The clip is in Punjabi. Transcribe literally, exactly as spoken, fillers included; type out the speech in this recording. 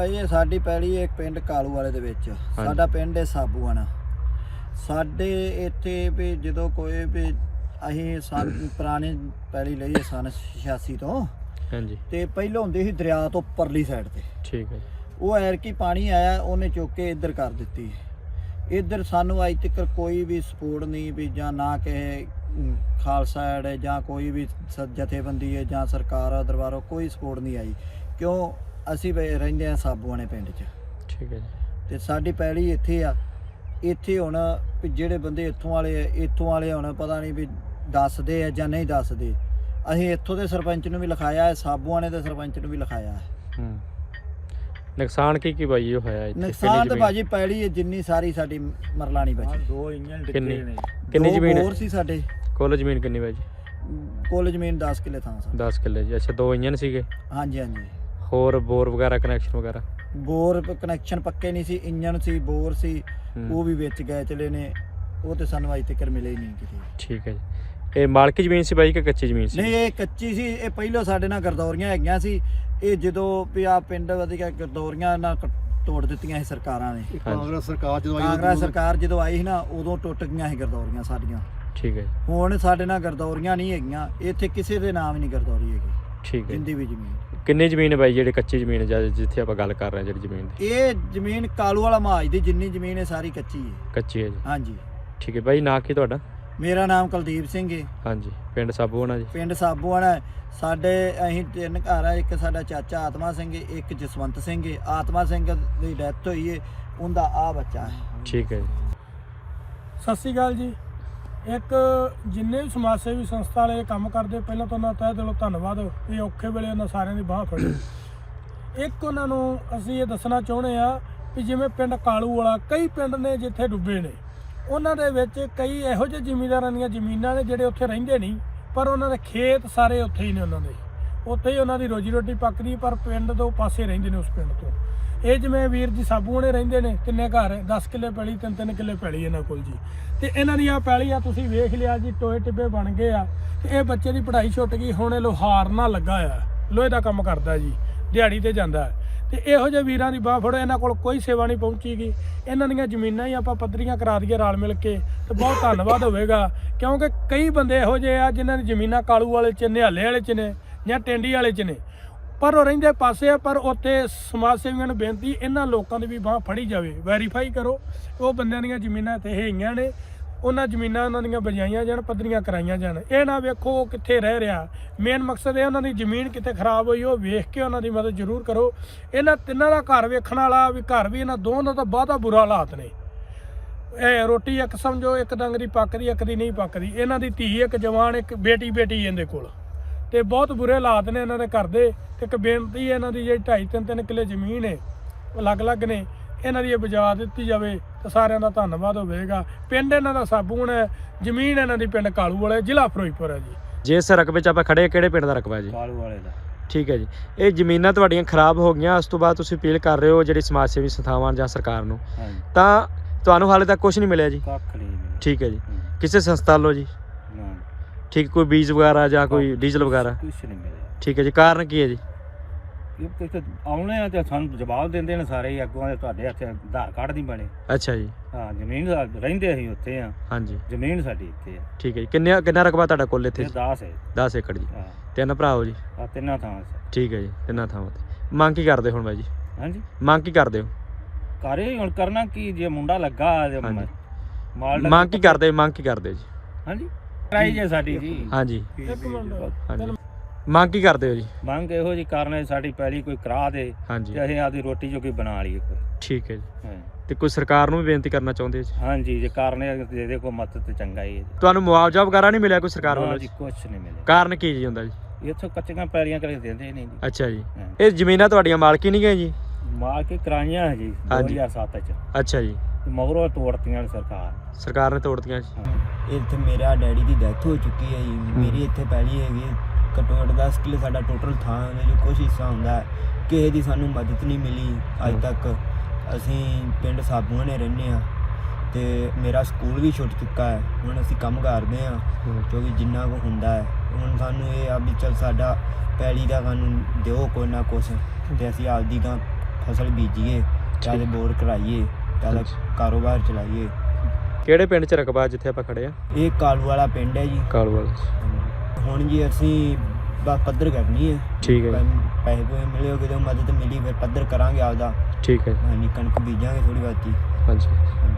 ਭਾਈ ਸਾਡੀ ਪੈਲੀ ਇੱਕ ਪਿੰਡ ਕਾਲੂ ਵਾਲੇ ਦੇ ਵਿੱਚ ਸਾਡਾ ਪਿੰਡ ਹੈ ਸਾਬੂਆਣਾ। ਸਾਡੇ ਇੱਥੇ ਵੀ ਜਦੋਂ ਕੋਈ ਵੀ ਅਸੀਂ ਸਨ ਪੁਰਾਣੀ ਪੈਲੀ ਲਈ ਹੈ ਸਨ ਛਿਆਸੀ ਤੋਂ ਹਾਂਜੀ ਤੇ ਪਹਿਲਾਂ ਹੁੰਦੀ ਸੀ ਦਰਿਆ ਤੋਂ ਪਰਲੀ ਸਾਈਡ ਤੇ। ਠੀਕ ਹੈ। ਉਹ ਐਰਕੀ ਪਾਣੀ ਆਇਆ ਉਹਨੇ ਚੁੱਕ ਕੇ ਇੱਧਰ ਕਰ ਦਿੱਤੀ। ਇੱਧਰ ਸਾਨੂੰ ਅੱਜ ਤੱਕ ਕੋਈ ਵੀ ਸਪੋਰਟ ਨਹੀਂ ਵੀ ਜਾਂ ਨਾ ਕਿਸੇ ਖਾਲਸਾ ਐਡ ਹੈ ਜਾਂ ਕੋਈ ਵੀ ਜਥੇਬੰਦੀ ਹੈ ਜਾਂ ਸਰਕਾਰ ਦਰਬਾਰੋਂ ਕੋਈ ਸਪੋਰਟ ਨਹੀਂ ਆਈ। ਕਿਉਂ ਅਸੀਂ ਰਹਿੰਦੇ ਹਾਂ ਸਾਬੂਆਣੇ ਪਿੰਡ 'ਚ। ਠੀਕ ਹੈ ਜੀ। ਤੇ ਸਾਡੀ ਪੈਲੀ ਇੱਥੇ ਆ। ਇੱਥੇ ਹੁਣ ਵੀ ਜਿਹੜੇ ਬੰਦੇ ਇੱਥੋਂ ਵਾਲੇ ਇੱਥੋਂ ਵਾਲੇ ਹੁਣ ਪਤਾ ਨਹੀਂ ਵੀ ਦੱਸਦੇ ਆ ਜਾਂ ਨਹੀਂ ਦੱਸਦੇ। ਅਸੀਂ ਇੱਥੋਂ ਦੇ ਸਰਪੰਚ ਨੂੰ ਵੀ ਲਿਖਾਇਆ ਹੈ, ਸਾਬੂਆਣੇ ਦੇ ਸਰਪੰਚ ਨੂੰ ਵੀ ਲਿਖਾਇਆ ਹੈ। ਹੂੰ ਨੁਕਸਾਨ ਕੀ ਕੀ ਬਾਈ ਹੋਇਆ ਇੱਥੇ? ਨੁਕਸਾਨ ਤਾਂ ਭਾਜੀ ਪੈਲੀ ਜਿੰਨੀ ਸਾਰੀ ਸਾਡੀ ਮਰਲਾਣੀ ਬਚੀ। ਦੋ ਇੰਜਨ ਡਿੱਗੇ ਕਿੰਨੀ ਨੇ। ਕਿੰਨੀ ਜ਼ਮੀਨ ਹੋਰ ਸੀ ਸਾਡੇ ਕੁੱਲ ਜ਼ਮੀਨ ਕਿੰਨੀ ਬਾਈ ਜੀ? ਕੁੱਲ ਜ਼ਮੀਨ ਦਸ ਕਿੱਲੇ ਥਾਂ ਸੀ। ਦਸ ਕਿੱਲੇ ਜੀ। ਅੱਛਾ ਦੋ ਇੰਜਨ ਸੀਗੇ? ਹਾਂਜੀ ਹਾਂਜੀ। ਹੋਰ ਬੋਰ ਵਗੈਰਾ ਕਨੈਕਸ਼ਨ ਵਗੈਰਾ? ਬੋਰ ਕਨੈਕਸ਼ਨ ਪੱਕੇ ਨਹੀਂ ਸੀ, ਇੰਜਨ ਸੀ, ਬੋਰ ਸੀ, ਉਹ ਵੀ ਵਿੱਚ ਗਏ ਚਲੇ ਨੇ। ਉਹ ਤੇ ਸਾਨੂੰ ਅਜੇ ਤੱਕ ਮਿਲੇ ਹੀ ਨਹੀਂ ਕਿਤੇ। ਠੀਕ ਹੈ ਜੀ। ਇਹ ਮਾਲਕੀ ਜ਼ਮੀਨ ਸੀ ਬਾਈ ਕਿ ਕੱਚੀ ਜ਼ਮੀਨ ਸੀ? ਨਹੀਂ ਇਹ ਕੱਚੀ ਸੀ। ਇਹ ਪਹਿਲਾਂ ਸਾਡੇ ਨਾਲ ਗਰਦੌਰੀਆਂ ਹੈਗੀਆਂ ਸੀ। ਇਹ ਜਦੋਂ ਵੀ ਆ ਪਿੰਡ ਵਧੀਆ ਗਰਦੌਰੀਆਂ ਨਾਲ ਤੋੜ ਦਿੱਤੀਆਂ ਸੀ ਸਰਕਾਰਾਂ ਨੇ। ਕਾਂਗਰਸ ਸਰਕਾਰ ਜਦੋਂ ਆਈ ਕਾਂਗਰਸ ਸਰਕਾਰ ਜਦੋਂ ਆਈ ਸੀ ਨਾ ਉਦੋਂ ਟੁੱਟ ਗਈਆਂ ਸੀ ਗਰਦੌਰੀਆਂ ਸਾਡੀਆਂ। ਠੀਕ ਹੈ। ਹੁਣ ਸਾਡੇ ਨਾਲ ਗਰਦੌਰੀਆਂ ਨਹੀਂ ਹੈਗੀਆਂ। ਇੱਥੇ ਕਿਸੇ ਦੇ ਨਾਮ ਹੀ ਨਹੀਂ ਗਰਦੌਰੀ ਹੈਗੀ। ਠੀਕ ਹੈ। ਜਿੰਦੀ ਵੀ ਜ਼ਮੀਨ। ਕਿੰਨੀ ਜ਼ਮੀਨ ਹੈ ਬਾਈ ਜਿਹੜੀ ਕੱਚੀ ਜ਼ਮੀਨ ਹੈ ਜਿੱਥੇ ਆਪਾਂ ਗੱਲ ਕਰ ਰਹੇ ਹਾਂ ਜਿਹੜੀ ਜ਼ਮੀਨ ਦੀ? ਇਹ ਜ਼ਮੀਨ ਕਾਲੂ ਵਾਲਾ ਮਾਜ ਦੀ ਜਿੰਨੀ ਜ਼ਮੀਨ ਹੈ ਸਾਰੀ ਕੱਚੀ ਹੈ। ਕੱਚੀ ਹੈ ਜੀ। ਹਾਂਜੀ। ਠੀਕ ਹੈ ਬਾਈ। ਨਾਂ ਕੀ ਤੁਹਾਡਾ? ਮੇਰਾ ਨਾਮ ਕੁਲਦੀਪ ਸਿੰਘ ਹੈ। ਹਾਂਜੀ। ਪਿੰਡ ਸਾਬੂਆਣਾ ਜੀ? ਪਿੰਡ ਸਾਬੂਆਣਾ। ਸਾਡੇ ਅਸੀਂ ਤਿੰਨ ਘਰ ਆ। ਇੱਕ ਸਾਡਾ ਚਾਚਾ ਆਤਮਾ ਸਿੰਘ ਹੈ, ਇੱਕ ਜਸਵੰਤ ਸਿੰਘ ਹੈ। ਆਤਮਾ ਸਿੰਘ ਦੀ ਡੈਥ ਹੋਈ ਹੈ, ਉਹਦਾ ਆ ਬੱਚਾ ਹੈ। ਠੀਕ ਹੈ ਜੀ। ਸਤਿ ਸ਼੍ਰੀ ਅਕਾਲ ਜੀ। ਇੱਕ ਜਿੰਨੇ ਵੀ ਸਮਾਜ ਸੇਵੀ ਸੰਸਥਾ ਵਾਲੇ ਕੰਮ ਕਰਦੇ ਪਹਿਲਾਂ ਤਾਂ ਉਹਨਾਂ ਦਾ ਤਹਿ ਦਿਲੋਂ ਧੰਨਵਾਦ। ਇਹ ਔਖੇ ਵੇਲੇ ਉਹਨਾਂ ਸਾਰਿਆਂ ਦੀ ਬਾਂਹ ਫੜੀ। ਇੱਕ ਉਹਨਾਂ ਨੂੰ ਅਸੀਂ ਇਹ ਦੱਸਣਾ ਚਾਹੁੰਦੇ ਆ ਵੀ ਜਿਵੇਂ ਪਿੰਡ ਕਾਲੂ ਵਾਲਾ ਕਈ ਪਿੰਡ ਨੇ ਜਿੱਥੇ ਡੁੱਬੇ ਨੇ, ਉਹਨਾਂ ਦੇ ਵਿੱਚ ਕਈ ਇਹੋ ਜਿਹੇ ਜ਼ਿਮੀਂਦਾਰਾਂ ਦੀਆਂ ਜ਼ਮੀਨਾਂ ਨੇ ਜਿਹੜੇ ਉੱਥੇ ਰਹਿੰਦੇ ਨਹੀਂ, ਪਰ ਉਹਨਾਂ ਦੇ ਖੇਤ ਸਾਰੇ ਉੱਥੇ ਹੀ ਨੇ। ਉਹਨਾਂ ਦੇ ਉੱਥੇ ਹੀ ਉਹਨਾਂ ਦੀ ਰੋਜੀ ਰੋਟੀ ਪੱਕਦੀ, ਪਰ ਪਿੰਡ ਤੋਂ ਪਾਸੇ ਰਹਿੰਦੇ ਨੇ ਉਸ ਪਿੰਡ ਤੋਂ। ਇਹ ਜਿਵੇਂ ਵੀਰ ਜੀ ਸਾਬੂਆਣੇ ਰਹਿੰਦੇ ਨੇ, ਤਿੰਨੇ ਘਰ ਦਸ ਕਿੱਲੇ ਪੈਲੀ, ਤਿੰਨ ਤਿੰਨ ਕਿੱਲੇ ਪੈਲੀ ਇਹਨਾਂ ਕੋਲ ਜੀ। ਤੇ ਇਹਨਾਂ ਦੀ ਆ ਪੈਲੀ ਆ ਤੁਸੀਂ ਵੇਖ ਲਿਆ ਜੀ, ਟੋਏ ਟਿੱਬੇ ਬਣ ਗਏ ਆ। ਤੇ ਇਹ ਬੱਚੇ ਦੀ ਪੜ੍ਹਾਈ ਛੁੱਟ ਗਈ। ਹੁਣ ਇਹ ਲੋਹਾਰ ਨਾਲ ਲੱਗਾ ਆ, ਲੋਹੇ ਦਾ ਕੰਮ ਕਰਦਾ ਜੀ, ਦਿਹਾੜੀ ਤੇ ਜਾਂਦਾ। ਤੇ ਇਹੋ ਜਿਹੇ ਵੀਰਾਂ ਦੀ ਬਾਂਹ ਫੜੋ। ਇਹਨਾਂ ਕੋਲ ਕੋਈ ਸੇਵਾ ਨਹੀਂ ਪਹੁੰਚੀਗੀ। ਇਹਨਾਂ ਦੀਆਂ ਜ਼ਮੀਨਾਂ ਹੀ ਆਪਾਂ ਪੱਧਰੀਆਂ ਕਰਾ ਦਈਏ ਰਲ ਮਿਲ ਕੇ ਤੇ ਬਹੁਤ ਧੰਨਵਾਦ ਹੋਵੇਗਾ। ਕਿਉਂਕਿ ਕਈ ਬੰਦੇ ਇਹੋ ਜਿਹੇ ਆ ਜਿਨ੍ਹਾਂ ਦੀ ਜ਼ਮੀਨਾਂ ਕਾਲੂ ਵਾਲੇ 'ਚ, ਨਿਹਾਲੇ ਵਾਲੇ 'ਚ ਨੇ ਜਾਂ ਟੈਂਡੀ ਵਾਲੇ 'ਚ ਨੇ, ਪਰ ਉਹ ਰਹਿੰਦੇ ਪਾਸੇ ਆ। ਪਰ ਉੱਥੇ ਸਮਾਜ ਸੇਵੀਆਂ ਨੂੰ ਬੇਨਤੀ, ਇਹਨਾਂ ਲੋਕਾਂ ਦੀ ਵੀ ਬਾਂਹ ਫੜੀ ਜਾਵੇ, ਵੈਰੀਫਾਈ ਕਰੋ ਉਹ ਬੰਦਿਆਂ ਦੀਆਂ ਜ਼ਮੀਨਾਂ ਇੱਥੇ ਹੈਗੀਆਂ ਨੇ, ਉਹਨਾਂ ਜ਼ਮੀਨਾਂ ਉਹਨਾਂ ਦੀਆਂ ਬਜਾਈਆਂ ਜਾਣ, ਪੱਧਰੀਆਂ ਕਰਾਈਆਂ ਜਾਣ। ਇਹ ਨਾ ਵੇਖੋ ਉਹ ਕਿੱਥੇ ਰਹਿ ਰਿਹਾ। ਮੇਨ ਮਕਸਦ ਇਹ ਉਹਨਾਂ ਦੀ ਜ਼ਮੀਨ ਕਿਤੇ ਖਰਾਬ ਹੋਈ ਉਹ ਵੇਖ ਕੇ ਉਹਨਾਂ ਦੀ ਮਦਦ ਜ਼ਰੂਰ ਕਰੋ। ਇਹਨਾਂ ਤਿੰਨਾਂ ਦਾ ਘਰ ਵੇਖਣ ਵਾਲਾ ਵੀ ਘਰ ਵੀ ਇਹਨਾਂ ਦੋਵਾਂ ਦਾ ਤਾਂ ਬਹੁਤਾ ਬੁਰਾ ਹਾਲਾਤ ਨੇ। ਇਹ ਰੋਟੀ ਇੱਕ ਸਮਝੋ ਇੱਕ ਡੰਗ ਦੀ ਪੱਕਦੀ, ਇੱਕ ਦੀ ਨਹੀਂ ਪੱਕਦੀ। ਇਹਨਾਂ ਦੀ ਧੀ ਇੱਕ ਜਵਾਨ, ਇੱਕ ਬੇਟੀ ਬੇਟੀ ਇਹਦੇ ਕੋਲ, ਤੇ ਬਹੁਤ ਬੁਰੇ ਹਾਲਾਤ ਨੇ ਇਹਨਾਂ ਦੇ ਘਰ ਦੇ। ਤੇ ਇੱਕ ਬੇਨਤੀ ਇਹਨਾਂ ਦੀ ਜਿਹੜੀ ਢਾਈ ਤਿੰਨ ਤਿੰਨ ਕਿੱਲੇ ਜ਼ਮੀਨ ਹੈ ਅਲੱਗ ਅਲੱਗ ਨੇ, ਇਹਨਾਂ ਦੀ ਇਹ ਬਚਾ ਦਿੱਤੀ ਜਾਵੇ ਤਾਂ ਸਾਰਿਆਂ ਦਾ ਧੰਨਵਾਦ ਹੋਵੇਗਾ। ਪਿੰਡ ਇਹਨਾਂ ਦਾ ਸਾਬੂਆਣਾ ਹੈ, ਜ਼ਮੀਨ ਇਹਨਾਂ ਦੀ ਪਿੰਡ ਕਾਲੂ ਵਾਲੇ, ਜ਼ਿਲ੍ਹਾ ਫਿਰੋਜ਼ਪੁਰ ਹੈ ਜੀ। ਜੇ ਇਸ ਰਕਬੇ 'ਚ ਆਪਾਂ ਖੜੇ, ਕਿਹੜੇ ਪਿੰਡ ਦਾ ਰਕਬਾ ਜੀ? ਕਾਲੂ ਵਾਲੇ ਦਾ। ਠੀਕ ਹੈ ਜੀ। ਇਹ ਜ਼ਮੀਨਾਂ ਤੁਹਾਡੀਆਂ ਖਰਾਬ ਹੋ ਗਈਆਂ, ਉਸ ਤੋਂ ਬਾਅਦ ਤੁਸੀਂ ਅਪੀਲ ਕਰ ਰਹੇ ਹੋ ਜਿਹੜੀ ਸਮਾਜ ਸੇਵੀ ਸੰਸਥਾਵਾਂ ਜਾਂ ਸਰਕਾਰ ਨੂੰ, ਹਾਂਜੀ। ਤਾਂ ਤੁਹਾਨੂੰ ਹਾਲੇ ਤੱਕ ਕੁਝ ਨਹੀਂ ਮਿਲਿਆ ਜੀ? ਕੱਖ ਨਹੀਂ ਮਿਲਿਆ। ਠੀਕ ਹੈ ਜੀ। ਕਿਸੇ ਸੰਸਥਾ ਵੱਲੋਂ ਜੀ? ਨਾ। ਠੀਕ। ਕੋਈ ਬੀਜ ਵਗੈਰਾ ਜਾਂ ਕੋਈ ਡੀਜ਼ਲ ਵਗੈਰਾ? ਕੁਛ ਨਹੀਂ ਮਿਲਿਆ। ਠੀਕ ਹੈ ਜੀ। ਕਾਰਨ ਕੀ ਹੈ ਜੀ? ਇਹ ਤੇ ਆਉਣੇ ਆ ਤੇ ਸਾਨੂੰ ਜਵਾਬ ਦਿੰਦੇ ਨੇ ਸਾਰੇ ਹੀ ਅੱਗੋਂ ਦੇ, ਤੁਹਾਡੇ ਹੱਥ ਆਧਾਰ ਕਾਰਡ ਨਹੀਂ ਬਣੇ। ਅੱਛਾ ਜੀ। ਹਾਂ ਜ਼ਮੀਨ ਰਹਿੰਦੇ ਅਸੀਂ ਉੱਥੇ ਆ। ਹਾਂਜੀ। ਜ਼ਮੀਨ ਸਾਡੀ ਇੱਥੇ ਆ। ਠੀਕ ਹੈ ਜੀ। ਕਿੰਨੇ ਕਿੰਨਾ ਰਕਬਾ ਤੁਹਾਡਾ ਕੁੱਲ ਇੱਥੇ? ਇਹ ਦਸ ਹੈ। ਦਸ ਏਕੜ ਜੀ। ਹਾਂ। ਤਿੰਨ ਭਰਾ ਹੋ ਜੀ? ਆ ਤਿੰਨਾਂ ਥਾਂ। ਠੀਕ ਹੈ ਜੀ। ਤਿੰਨਾਂ ਥਾਵਾਂ ਤੇ ਮੰਗ ਕੀ ਕਰਦੇ ਹੁਣ ਬਾਈ ਜੀ? ਹਾਂਜੀ। ਮੰਗ ਕੀ ਕਰਦੇ ਹੋ? ਘਰੇ ਹੁਣ ਕਰਨਾ ਕੀ ਜੇ ਮੁੰਡਾ ਲੱਗਾ ਹਾਂਜੀ। ਮਾਲ ਮੰਗ ਕੀ ਕਰਦੇ ਮੰਗ ਕੀ ਕਰਦੇ ਜੀ? ਹਾਂਜੀ ਕਰਾਈ ਜੇ ਸਾਡੀ ਜੀ। ਹਾਂਜੀ। ਇੱਕ ਮਿੰਟ। ਹਾਂਜੀ। ਮੰਗ ਕੀ ਕਰਦੇ ਹੋ ਜੀ? ਮੰਗ ਇਹੋ ਜੀ ਕਰਨਾ ਸਾਡੀ ਪਹਿਲੀ ਕੋਈ ਕਰਾ ਦੇ ਹਾਂਜੀ। ਤੇ ਅਸੀਂ ਆਪਦੀ ਰੋਟੀ ਜੋ ਕੋਈ ਬਣਾ ਲਈਏ ਕੋਈ। ਠੀਕ ਹੈ ਜੀ। ਹਾਂ। ਤੇ ਕੋਈ ਸਰਕਾਰ ਨੂੰ ਵੀ ਬੇਨਤੀ ਕਰਨਾ ਚਾਹੁੰਦੇ ਜੀ? ਹਾਂਜੀ ਜੇ ਕਰਨੇ ਦੇ ਦੇ ਕੋਈ ਮਦਦ ਤੇ ਚੰਗਾ ਹੀ ਹੈ ਜੀ। ਤੁਹਾਨੂੰ ਮੁਆਵਜ਼ਾ ਵਗੈਰਾ ਨਹੀਂ ਮਿਲਿਆ ਕੋਈ ਸਰਕਾਰ ਵੱਲੋਂ ਜੀ? ਕੁਝ ਨਹੀਂ ਮਿਲਿਆ। ਕਾਰਨ ਕੀ ਜੀ ਹੁੰਦਾ ਜੀ? ਇੱਥੋਂ ਕੱਚੀਆਂ ਪੈਲੀਆਂ ਕਰੇ ਦਿੰਦੇ ਨਹੀਂ ਜੀ। ਅੱਛਾ ਜੀ। ਹਾਂ। ਇਹ ਜ਼ਮੀਨਾਂ ਤੁਹਾਡੀਆਂ ਮਾਲਕੀ ਨਹੀਂ ਗਏ ਜੀ? ਮਾਰ ਕੇ ਕਰਾਈਆਂ ਹੈ ਜੀ ਦੋ ਹਜ਼ਾਰ ਸੱਤ ਚ। ਅੱਛਾ ਜੀ। ਮਗਰੋਂ ਤੋੜਤੀਆਂ ਨੇ ਸਰਕਾਰ ਸਰਕਾਰ ਨੇ ਤੋੜਤੀਆਂ ਜੀ। ਇੱਥੇ ਮੇਰਾ ਡੈਡੀ ਦੀ ਡੈਥ ਹੋ ਚੁੱਕੀ ਹੈ ਜੀ। ਮੇਰੀ ਇੱਥੇ ਪੈਲੀ ਹੈਗੀ ਘੱਟੋ ਘੱਟ ਦਸ ਕਿੱਲੇ ਸਾਡਾ ਟੋਟਲ ਥਾਂ ਉਹਦੇ 'ਚ ਕੁਛ ਹਿੱਸਾ ਹੁੰਦਾ ਹੈ। ਕਿਸੇ ਦੀ ਸਾਨੂੰ ਮਦਦ ਨਹੀਂ ਮਿਲੀ ਅੱਜ ਤੱਕ। ਅਸੀਂ ਪਿੰਡ ਸਾਬੂਆਣੇ ਰਹਿੰਦੇ ਹਾਂ ਤੇ ਮੇਰਾ ਸਕੂਲ ਵੀ ਛੁੱਟ ਚੁੱਕਾ ਹੈ। ਹੁਣ ਅਸੀਂ ਕੰਮ ਕਰਦੇ ਹਾਂ ਕਿਉਂਕਿ ਜਿੰਨਾ ਕੁ ਹੁੰਦਾ ਹੈ। ਹੁਣ ਸਾਨੂੰ ਇਹ ਆ ਵੀ ਚੱਲ ਸਾਡਾ ਪੈਲੀ ਦਾ ਸਾਨੂੰ ਦਿਓ ਕੋਈ ਨਾ ਕੁਛ ਤੇ ਅਸੀਂ ਆਪਦੀ ਗਾਂ ਫਸਲ ਬੀਜੀਏ ਚਾਹੇ ਬੋਰ ਕਰਾਈਏ ਚਾਹੇ ਕਾਰੋਬਾਰ ਚਲਾਈਏ। ਕਿਹੜੇ ਪਿੰਡ 'ਚ ਰਕਬਾ ਜਿੱਥੇ ਆਪਾਂ ਖੜੇ ਆ? ਇਹ ਕਾਲੂ ਵਾਲਾ ਪਿੰਡ ਹੈ ਜੀ। ਕਾਲੂ ਵਾਲਾ। ਹੁਣ ਜੀ ਅਸੀਂ ਬਸ ਪੱਧਰ ਕਰਨੀ ਹੈ। ਠੀਕ ਹੈ ਜੀ। ਪੈਸੇ ਪੂਸੇ ਮਿਲੇ ਹੋ ਕਿਤੇ ਮਦਦ ਮਿਲੀ ਫਿਰ ਪੱਧਰ ਕਰਾਂਗੇ ਆਪਦਾ। ਠੀਕ ਹੈ। ਹਾਂਜੀ ਕਣਕ ਬੀਜਾਂਗੇ ਥੋੜੀ ਬਹੁਤੀ। ਹਾਂਜੀ।